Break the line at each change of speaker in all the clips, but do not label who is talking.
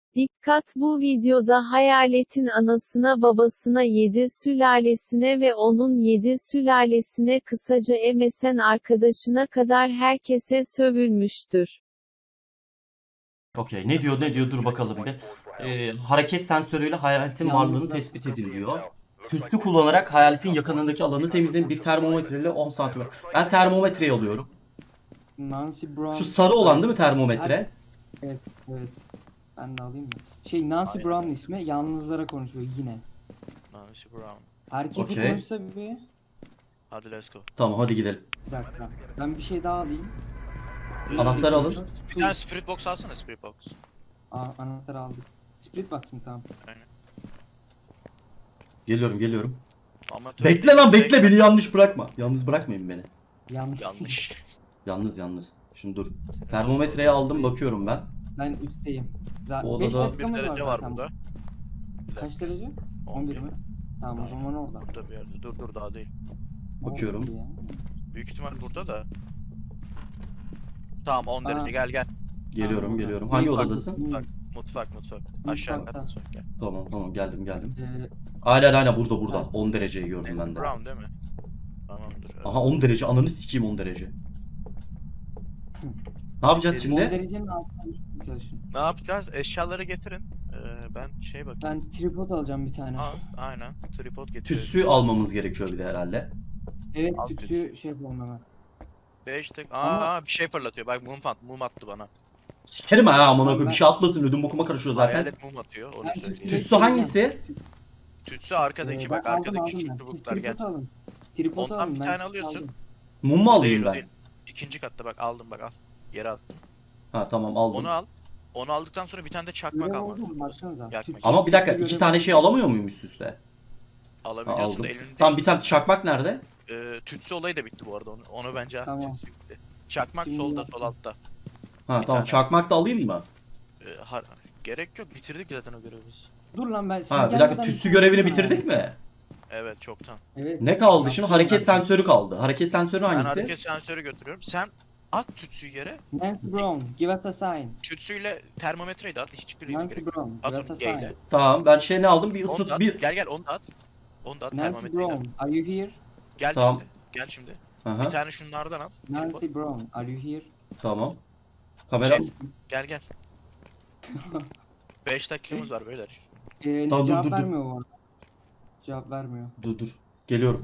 Dikkat, bu videoda hayaletin anasına, babasına, 7 sülalesine ve onun 7 sülalesine, kısaca MSN arkadaşına kadar herkese sövülmüştür.
Okey. Ne diyor dur bakalım bir. Hareket sensörüyle hayaletin varlığını tespit edin diyor. Tüslü kullanarak hayaletin yakınındaki alanı temizleyin. Bir termometreyle 10 santim. Ben termometreyi alıyorum.
Nancy Brown.
Şu sarı olan değil mi termometre?
Evet, evet. Ben de alayım mı? Nancy
Aynen.
Brown ismi, yalnızlara konuşuyor yine.
Nancy Brown.
Herkese
Okey.
konuşsa bir.
Hadi let's go.
Tamam hadi gidelim.
Bir dakika. Ben bir şey daha alayım.
Anahtarı alın.
Bir tane spirit box alsana, spirit box.
Anahtarı aldık. Spirit box mı? Tamam.
Geliyorum.
Amatör
Bekle lan bekle, beni yanlış bırakma. Yalnız bırakmayın beni.
Yanlış.
Yanlış.
Şimdi dur. Termometreyi aldım, bakıyorum ben.
Ben üstteyim.
Bu
5
odada-
Bir
dakikamız
derece
var
var
zaten.
burada.
Kaç derece? 11 mi? Tamam, o zaman orada.
Burada bir yerde. Dur daha değil.
Bakıyorum.
Ya.
Büyük ihtimal burada da. Tamam 10 derece, gel.
Geliyorum.
Tamam.
Hangi
Büyük
odadasın?
bak.
Mutfak. Aşağı kat mutfak gel.
Tamam geldim.
Ee,
Aynen burada.
Evet.
10 dereceyi gördüm ben de.
Brown değil mi? Tamamdır.
Aha 10 derece, ananı sikeyim 10 derece. Ne yapacağız
10
şimdi?
derecenin altına düşmeye çalışın.
Ne yapacağız? Eşyaları getirin. Ben bakayım.
Ben tripod alacağım bir tane.
Aynen. Tripod getiriyorum.
Tütsü almamız gerekiyor bir de herhalde.
Evet,
Al
tütsü şey yapalım hemen.
5 dakika.
Ama-
Bir şey fırlatıyor. Bak mum attı bana.
Sikerim ha amına koyayım,
Ben-
bir şey atmasın, ödüm bokuma karışıyor zaten.
Hayalet mum atıyor. Onu
Ben
söyleyeyim.
Tütsü hangisi?
Tütsü arkadaki, bak
Ben
arkadaki
aldım
küçük
ben.
çubuklar
Siz
gel.
tripod alın. Tripod
Ondan
alın,
bir
ben
tane
tütsü
alıyorsun.
aldım.
Mum mu alayım
Değil, o
ben?
değil. İkinci katta bak aldım bak al. Yere attım.
Ha tamam aldım.
Onu al. Onu aldıktan sonra bir tane de çakmak
Görev
almak
oldu mu?
zorundasın.
Baksanıza.
Yakmak.
Tütsü-
Ama bir dakika,
görev
iki tane
oldu.
şey alamıyor muyum üst üste? Ha,
Alabiliyorsun
aldım.
da elinde.
Tamam, bir tane çakmak nerede?
Tütsü olayı da bitti bu arada. Onu bence
Tamam.
tütsü bitti. Çakmak
Şimdi
solda,
yaptım.
sol altta.
Ha
Bir
tamam,
tane.
çakmak da alayım mı?
Gerek yok, bitirdik zaten o görevi biz.
Dur lan ben siz
Ha bir dakika,
gelmeden
tütsü
bir
görevini
tane
bitirdik mi?
Evet çoktan.
Evet.
Ne kaldı
Yaptım
şimdi? Hareket
ben.
sensörü kaldı. Hareket sensörü
Ben
hangisi?
hareket sensörü götürüyorum. Sen at tütsüyü yere.
Nancy Brown, give us a sign.
Tütsüyle termometreyi de at. Hiçbiri
Nancy
gerek yok.
Brown,
At
give us a
onu G ile.
sign.
Tamam, ben şey ne aldım? Bir
Onu da
ısıt
at.
bir...
Gel onu da at. Onu da at
Nancy
termometreyi de at.
Brown, are you here?
Gel
Tamam.
şimdi. Gel şimdi.
Aha,
Bir tane şunlardan al. Tripod.
Nancy Brown, are you here?
tamam. Kamera...
Gel. 5 dakikamız var beyler.
Tamam,
Cevap
dur.
vermiyor bu arada. Cevap vermiyor.
Dur. Geliyorum.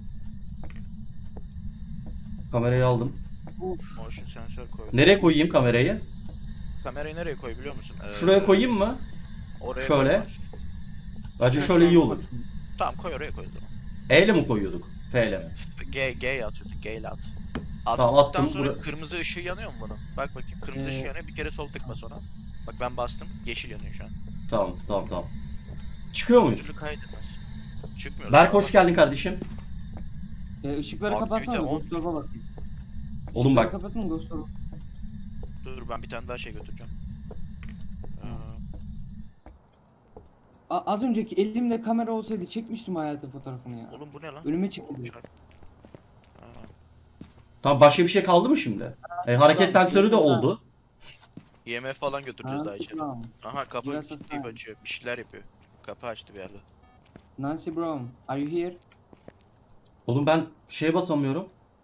Kamerayı aldım.
Motion sensör koy.
Nereye koyayım kamerayı?
Kamerayı nereye koy biliyor musun?
Şuraya koyayım mı?
Oraya
Şöyle.
koy.
Bence şöyle iyi olur.
Tamam koy oraya koy o zaman.
E ile mi koyuyorduk? F ile mi?
G'ye atıyorsun. G ile at.
Tamam,
Attıktan
attım.
sonra
Bura-
kırmızı ışığı yanıyor mu bunun? Bak bakayım kırmızı ışığı yanıyor. Bir kere sol tıkla sonra. Bak ben bastım. Yeşil yanıyor şu an.
Tamam. Çıkıyor muyuz?
Türlü kaydetmez. Çıkmıyor.
Berk hoş geldin kardeşim.
Işıkları
Aktivite
kapatsana,
10.
Ghost Orb'a bakayım.
Oğlum bak.
Işıkları kapatın, Ghost Orb.
Dur ben bir tane daha şey götüreceğim.
Az önceki elimde kamera olsaydı çekmiştim hayatı fotoğrafını ya.
Oğlum bu ne lan?
Önüme çıktı.
Aa,
Tamam, başka bir şey kaldı mı şimdi? Hareket
Tamam,
sensörü de
tamam.
oldu.
IMF falan götüreceğiz daha
Nancy
içeri.
Brown,
Aha kapı
Biraz
kilitleyip
hastane.
açıyor. Bir şeyler yapıyor. Kapı açtı bir yerde.
Nancy Brown, are you here?
Oğlum ben şeye basamıyorum.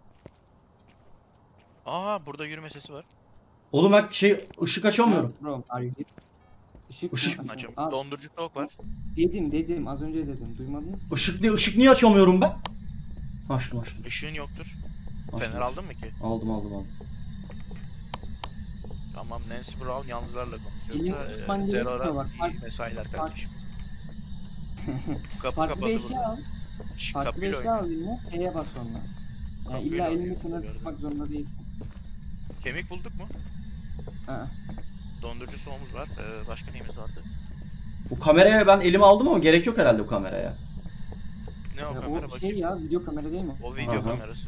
Aa burada yürüme sesi var.
Oğlum ben ışık açamıyorum.
Nancy Brown, are you here? Işık
Işık-
mı?
Açım.
Aa,
Dondurucu soğuk var.
dedim, az önce dedim. Duymadınız mı?
Işık niye açamıyorum ben? Açtım.
Işığın yoktur.
Açtım.
Fener aldın mı ki?
Aldım.
Tamam Nancy Brown yalnızlarla
Elini
konuşuyorsa
tutman
Zerora
gerekiyor bak.
iyi mesailer kardeşim. Kapı
Farklı bir
kapalı
eşya al.
Şş,
Farklı bir
kapıyla
eşya
oyna.
al eline. Şeye bas sonra. Yani
Kapıyla
illa elini
oynuyor,
kenara
gördüm.
tutmak zorunda değilsin.
Kemik bulduk mu?
Ha.
Dondurucu soğumuz var. Başka neyimiz vardı?
Bu kameraya ben elime aldım ama gerek yok herhalde bu kameraya.
Ne o
Ya
kamera
o
bakayım.
şey ya, video kamera değil mi?
O video
Aha.
kamerası.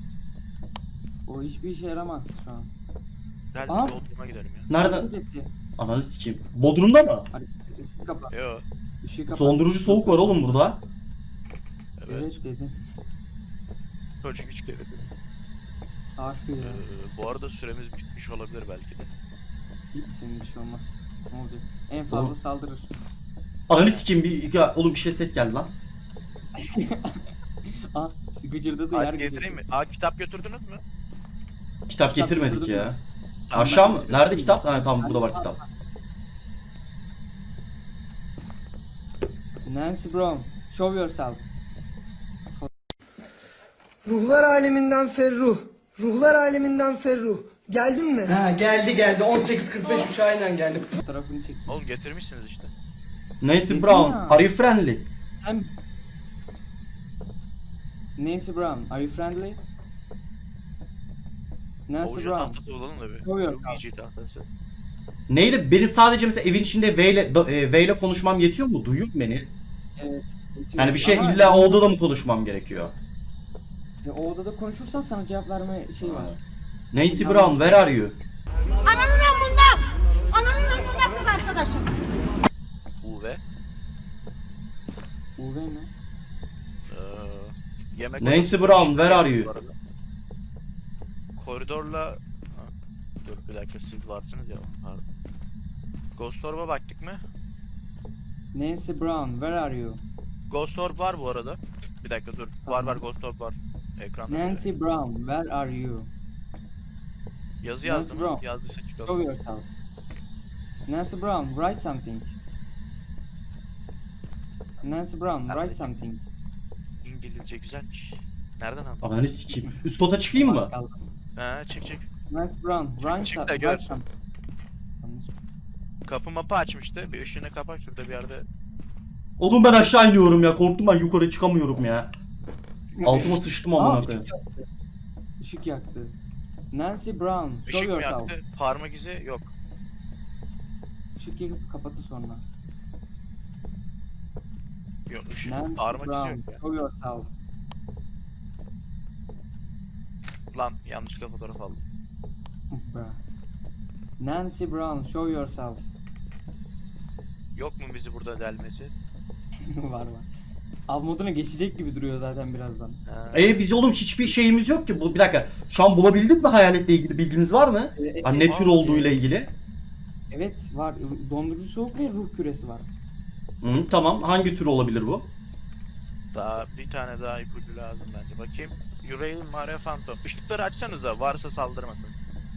O hiçbir işe yaramaz şu an.
Gel
Aa.
bir Bodrum'a gidelim ya.
Nereden?
Hareket etti.
Ananı sikeyim. Bodrum'da mı?
Işığı kapat.
Yo.
Işığı kapat.
Dondurucu soğuk var oğlum burada.
Evet.
Evet dedim.
Çocuk hiç kere.
Harfi ya.
Bu arada süremiz bitmiş olabilir belki de.
Hiç senin bir şey olmaz. Ne olacak? En fazla
Oğlum.
saldırır.
Ananı sikeyim ya, oğlum bir şey ses geldi lan.
Aa, gıcırdadı yer
Ağaç getireyim mi? Aa, kitap götürdünüz mü?
Kitap
Kitap
getirmedik
götürdüm
ya.
ya.
Aşağı mı?
götürdüm.
Nerede kitap? Ha tamam, burada var kitap.
Nancy Brown, show yourself.
Ruhlar aleminden Ferruh. Ruhlar aleminden Ferruh. Geldin mi? Ha geldi 18.45 uçağıyla geldi.
Fotoğrafını çek.
Oğlum getirmişsiniz işte.
Nancy
Dedim
Brown,
ya.
are you friendly?
Sen... Nancy Brown, are you friendly? Nancy
Ovucu
Brown,
tahtası bulalım da bir.
Show yourself.
Ovucu tahtası.
Neyle? Benim sadece mesela evin içinde V ile konuşmam yetiyor mu? Duyuyor mu beni?
Evet.
Yani bir şey
Ama
illa o odada mı konuşmam gerekiyor?
O odada konuşursan sana cevap verme şey var.
Nancy Brown, where are you?
Ananın amında! Ananın amında kız arkadaşım.
UV.
UV mi?
Yemek
Nancy
odası
Brown,
dışında
where are
bu
you?
arada. Koridorla... Ha, dur bir dakika, siz varsınız ya. Pardon. Ghost Orb'a baktık mı?
Nancy Brown, where are you?
Ghost Orb var bu arada. Bir dakika dur.
Tamam.
Var Ghost Orb var. Ekranda.
Nancy Brown, where are you?
Yazı
Nancy
yazdım.
Brown.
Yazdıysa
Show
çıkalım.
yourself. Nancy Brown, write something. Nancy Brown, write
Nerede?
something.
İngilizce güzelmiş. Nereden aldın?
Ananı sikeyim. Üst kota çıkayım mı?
Bakalım.
Ha, çık.
Nancy Brown, write,
çık da
write
gör.
something.
Kapı mapı açmıştı. Bir ışığını kapat şurada bir yerde.
Oğlum ben aşağı iniyorum ya. Korktum, ben yukarı çıkamıyorum ya. Altıma sıçtım amına
Aa,
koyayım.
ışık yaktı. Işık yaktı. Nancy Brown, show
Işık mı
yourself.
yaktı? Parmak izi yok.
Işık yakıp kapatı sonra.
Yok ışık.
Nancy
Parmak izi
Brown,
yok ya.
show yourself.
Lan yanlışlıkla fotoğraf aldım.
Bra. Nancy Brown, show yourself.
Yok mu bizi burada delmesi?
var. Av moduna geçecek gibi duruyor zaten birazdan.
Ha.
Biz oğlum hiçbir şeyimiz yok ki. Bu bir dakika. Şu an bulabildik mi hayaletle ilgili bilginiz var mı? Hani ne tür olduğuyla ilgili?
Evet var. Dondurucu soğuk ve ruh küresi var.
Hı, tamam. Hangi tür olabilir bu?
Daha bir tane daha ipucu lazım bence. Bakayım. Urail Mare Phantom. Işıkları açsanız da varsa saldırmasın.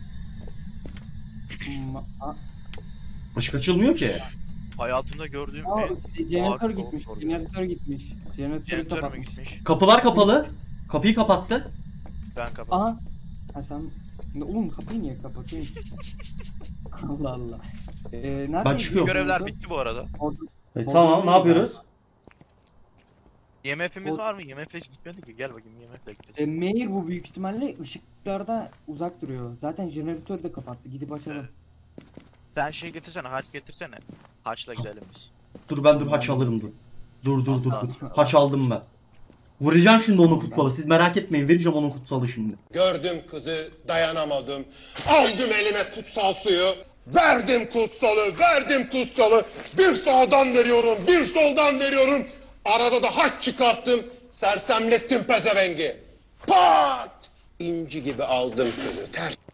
Aa,
Işık açılmıyor ki.
Hayatımda gördüğüm en
jeneratör
ağır
gitmiş.
korku.
Jeneratör gitmiş. Jeneratörü
Jeneratör mü
kapatmış.
gitmiş?
Kapılar kapalı. Kapıyı kapattı.
Ben kapattım.
Aha. Ha sen... Oğlum kapıyı niye kapatıyorsun? Allah Allah. Nerede?
Ben çıkıyorum.
Görevler bitti bu arada.
Tamam, ne yapıyoruz?
IMF'imiz
O-
var mı? IMF'le gitmedik ki. Gel bakayım IMF'le gideceğiz.
Meir bu büyük ihtimalle ışıklarda uzak duruyor. Zaten jeneratörü de kapattı. Gidip açalım.
Sen şey getirsene, haç getirsene. Haçla gidelim biz.
Dur haç alırım dur. Dur. Haç aldım ben. Vuracağım şimdi onun kutsalı. Siz merak etmeyin, vereceğim onun kutsalı şimdi.
Gördüm kızı, dayanamadım. Aldım elime kutsal suyu. Verdim kutsalı. Bir sağdan veriyorum, bir soldan veriyorum. Arada da haç çıkarttım. Sersemlettim pezevengi. Pat! İnci gibi aldım kızı.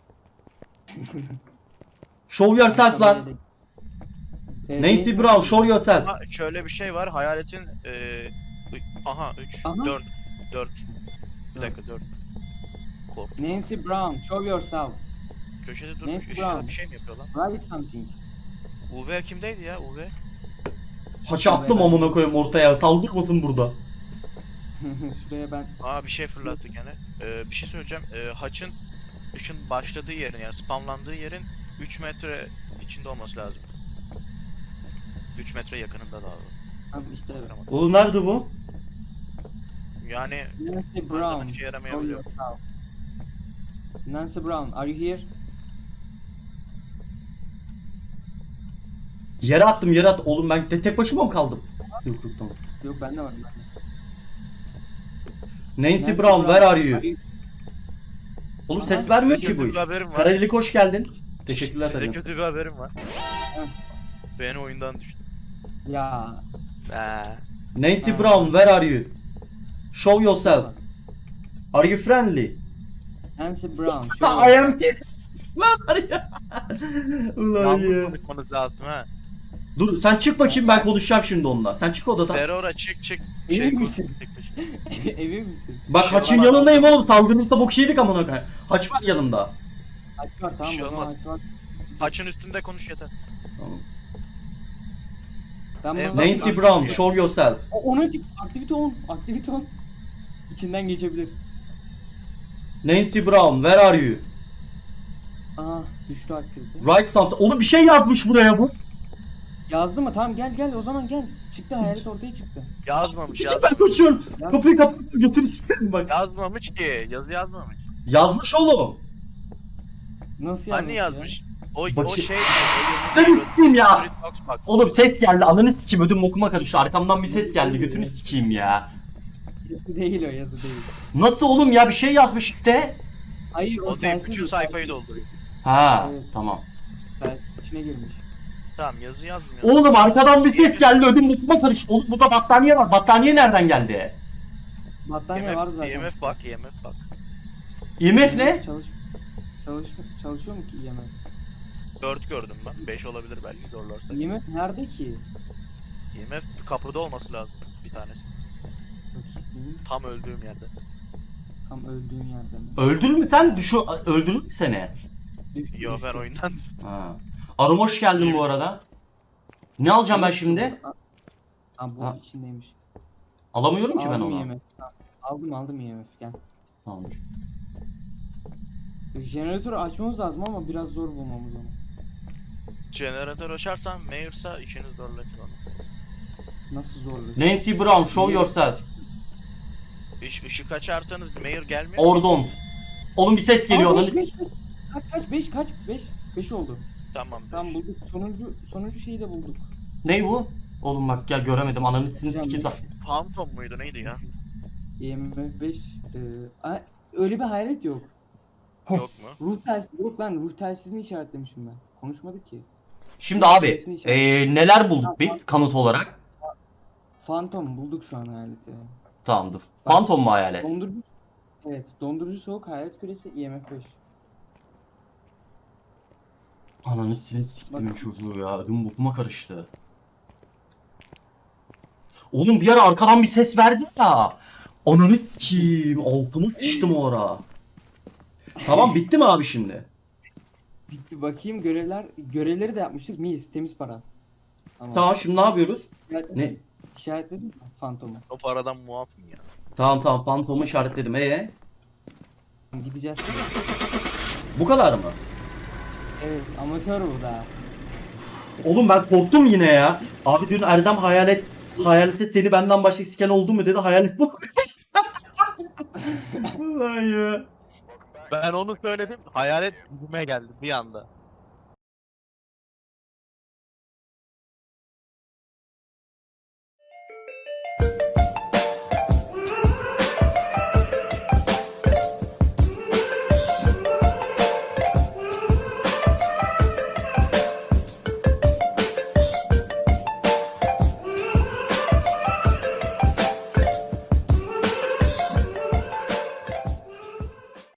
Show yourself lan. Nancy Brown, show yourself.
Ama şöyle bir şey var. Hayaletin aha 3
Aha.
4 Bir dakika 4. Kork.
Nancy Brown, show yourself.
Köşede durmuş
Nancy
ışığına
Brown.
bir şey mi yapıyor lan?
Write something.
UV kimdeydi ya UV?
Haçı attım amına koyayım ortaya. Saldırmasın burada.
Şuraya ben...
Aa bir şey fırlattı gene. Bir şey söyleyeceğim. Haçın ışın başladığı yerin yani spamlandığı yerin 3 metre içinde olması lazım. 3 metre yakınında daha doğrusu.
Tamam işte evet.
Oğlum nerede bu?
Yani
Nancy
her zaman
Brown,
işe
show
yaramayabiliyor.
yourself. Nancy Brown, are you here?
Yere attım. Oğlum ben tek başıma mı kaldım? Yok tamam.
Yok bende var.
Nancy Brown, where are you? Oğlum
Aha,
ses vermiyor
Size
ki bu
kötü
iş.
bir haberim var.
Karadelik hoş geldin. Teşekkürler
Size
efendim.
kötü bir haberim var.
Heh.
Beni oyundan düştü.
Ya.
Nancy
Ha.
Brown, where are you? Show yourself. Are you friendly?
Nancy Brown,
I
show
am here. Var ya. Ulan
Yalnız
ya.
konuşmanız lazım ha.
Dur sen çık bakayım, ben konuşacağım şimdi onunla. Sen çık odadan.
Ferora çık çık.
Emin
Şey,
misin?
çıkmış.
Emin misin?
Bak
şey
haçın
olmaz.
yanındayım oğlum. Salgınırsa bok yedik amına koyayım. Haç var yanımda.
Haç var tamam
Bir şey
o zaman
olmaz.
haç var.
Haçın üstünde konuş yeter.
Tamam.
Ben
Evet,
buna
Nancy Brown, show yourself.
Ona aktivite on. Aktivite on. İçinden geçebilir.
Nancy Brown, where are you?
Aa düştü aktivite.
Write something. Oğlum bir şey yazmış buraya bu.
Yazdı mı? Tamam gel o zaman gel. Çıktı hayalet ortaya çıktı.
Yazmamış.
Sikip ben kaçıyorum.
Yaz-
Kapıyı kapat götür isterim bak.
Yazmamış ki. Yazı yazmamış.
Yazmış oğlum.
Nasıl yazmış
Hani
ya?
yazmış? O
Bakayım.
şey.
Sen sikeyim ya.
Bak.
Oğlum ses geldi, ananı sikeyim, ödüm bokuma karıştı. Arkamdan bir ses geldi, götünü sikeyim ya.
Yazı değil o yazı değil.
Nasıl oğlum ya, bir şey yazmış işte.
Hayır o
O değil.
telsiz
Bütün
bu,
sayfayı
telsiz.
dolduruyor.
Ha,
Evet.
tamam.
Telsiz içine girmiş.
Tamam yazı yazmıyor.
Oğlum arkadan bir ses geldi, ödüm bokuma karıştı. Oğlum burada battaniye var. Battaniye nereden geldi?
Battaniye var zaten.
IMF bak. IMF bak.
IMF ne?
Çalışıyor mu ki IMF?
4 gördüm ben. 5 olabilir belki zorlarsa.
IMF nerede ki?
IMF kapıda olması lazım bir tanesi.
Bakayım.
Tam öldüğüm yerde.
Tam öldüğün yerde mi?
Öldürür mü sen? Öldürür mü seni?
Düştü,
Yo ben
düştü.
oyundan.
Ha. Arum hoş geldin bu arada. Ne alacağım ben şimdi?
Aa bu
Ha.
içindeymiş.
Alamıyorum ki ben
Aldım
onu.
IMF. Tamam. Aldım IMF gel.
Tamam.
Jeneratörü açmamız lazım ama biraz zor bulmamız onu.
Jeneratör açarsam Mayor'sa işiniz zorlaşır onu.
Nasıl zorlayacak?
Nancy Brown, show yourself.
Işık açarsanız Mayor gelmiyor.
Or don't. Oğlum bir ses geliyor.
Aa,
Ananı
beş. Kaç 5 oldu.
Tamam.
Tamam bulduk. Sonuncu şeyi de bulduk.
Ne bu? Oğlum bak gel, göremedim. Ananı sikeyim.
Phantom muydu neydi ya?
IMF 5 öyle bir hayalet yok.
Yok mu?
Ruh telsizi yok lan, ruh telsizini işaretlemişim ben. Konuşmadık ki.
Şimdi abi neler bulduk biz kanıt olarak?
Phantom bulduk şu an hayaleti.
Tamam dur. Phantom mu hayalet?
Dondurucu. Evet, dondurucu soğuk hayalet küresi IMF 5.
Ananı siktim çocuğu ya. Ödüm bokuma karıştı. Oğlum bir ara arkadan bir ses verdi ya. Ananı sikeyim. Altıma sıçtım o ara. Tamam bitti mi abi şimdi?
Bitti bakayım görevleri de yapmışız. Miyiz? Temiz para.
Tamam şimdi ne yapıyoruz? Ne?
İşaretledin mi Phantom'u?
O paradan muafım ya.
Tamam Phantom'u işaretledim.
Gideceğiz.
Bu kadar mı?
Evet, amatör bu da.
Oğlum ben korktum yine ya. Abi dün Erdem hayalete seni benden başka siken oldu mu dedi. Hayalet bu. Ulan ya.
Ben onu söyledim. Hayalet yüzüme geldi bir anda.